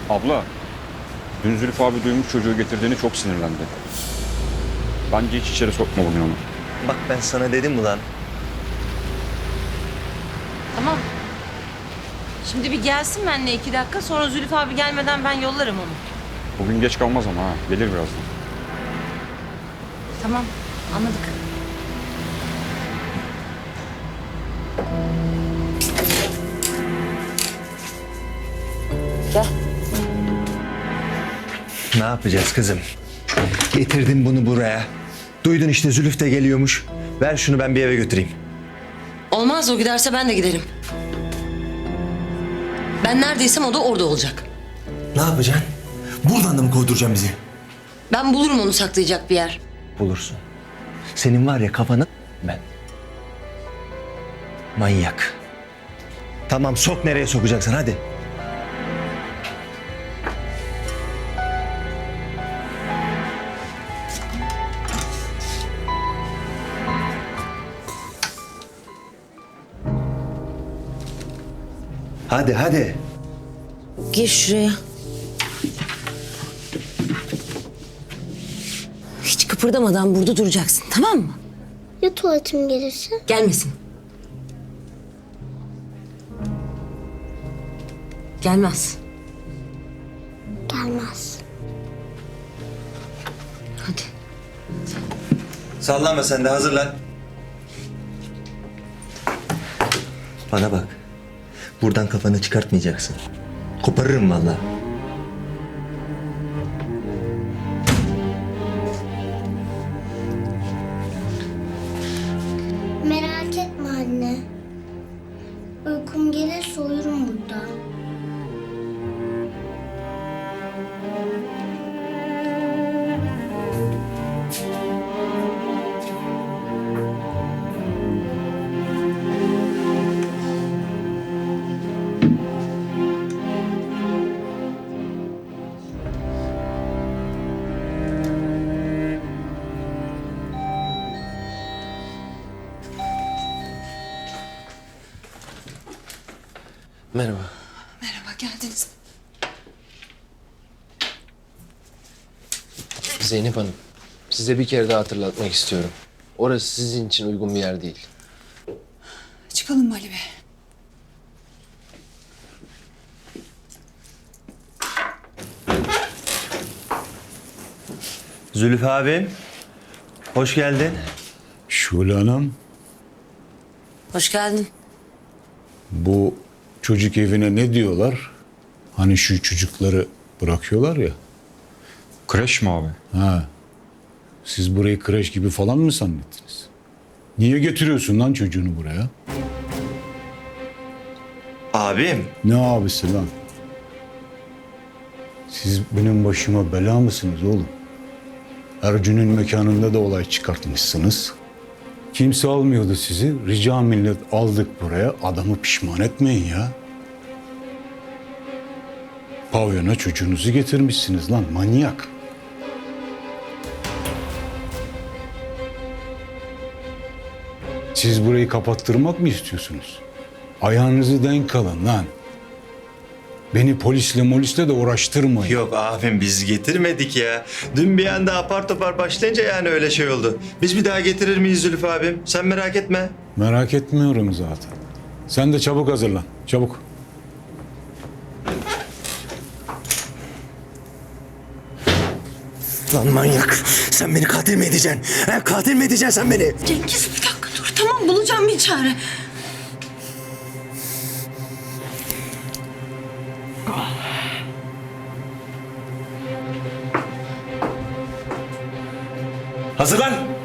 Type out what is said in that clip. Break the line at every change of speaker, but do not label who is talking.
Abla, dün Zülfü abi duymuş çocuğu getirdiğini çok sinirlendi. Bence hiç içeri sokma bugün onu.
Bak ben sana dedim ulan.
Tamam. Şimdi bir gelsin benimle 2 dakika. Sonra Zülfü abi gelmeden ben yollarım onu.
Bugün geç kalmaz ama ha. Gelir birazdan.
Tamam. Anladık. Gel.
Ne yapacağız kızım? Getirdim bunu buraya. Duydun işte Zülüf de geliyormuş. Ver şunu ben bir eve götüreyim.
Olmaz, o giderse ben de giderim. Ben neredeysem o da orada olacak.
Ne yapacaksın? Buradan da mı kovduracaksın bizi?
Ben bulurum onu saklayacak bir yer.
Bulursun. Senin var ya kafanı ben. Manyak. Tamam sok nereye sokacaksın hadi. Hadi hadi.
Gir şuraya. Hiç kıpırdamadan burada duracaksın, tamam mı?
Ya tuvaletim gelirse?
Gelmesin. Gelmez.
Gelmez.
Hadi.
Sallama sen de hazırlan. Bana bak. Buradan kafanı çıkartmayacaksın. Koparırım vallahi.
Merak etme anne. Uykum gelirse uyurum burada.
Merhaba.
Merhaba, geldiniz.
Zeynep Hanım, size bir kere daha hatırlatmak istiyorum. Orası sizin için uygun bir yer değil.
Çıkalım mı Ali Bey?
Zülfü abim. Hoş geldin.
Şule Hanım,
Hoş geldin.
bu çocuk evine ne diyorlar? Hani şu çocukları bırakıyorlar ya.
Kreş mi abi?
Ha. Siz burayı kreş gibi falan mı zannettiniz? Niye getiriyorsun lan çocuğunu buraya?
Abim.
Ne abisi lan? Siz benim başıma bela mısınız oğlum? Ercün'ün mekanında da olay çıkartmışsınız. Kimse almıyordu sizi. Rica millet aldık buraya. Adamı pişman etmeyin ya. Pavyona çocuğunuzu getirmişsiniz lan manyak. Siz burayı kapattırmak mı istiyorsunuz? Ayağınızı denk alın lan. Beni polisle de uğraştırmayın.
Yok abim biz getirmedik ya. Dün bir anda apar topar başlayınca yani öyle şey oldu. Biz bir daha getirir miyiz Zülfü abim? Sen merak etme.
Merak etmiyorum zaten. Sen de çabuk hazırlan. Çabuk.
Lan manyak. Sen beni katil mi edeceksin? He, katil mi edeceksin sen beni?
Cengiz bir dakika dur, tamam bulacağım bir çare.
Hazırlan.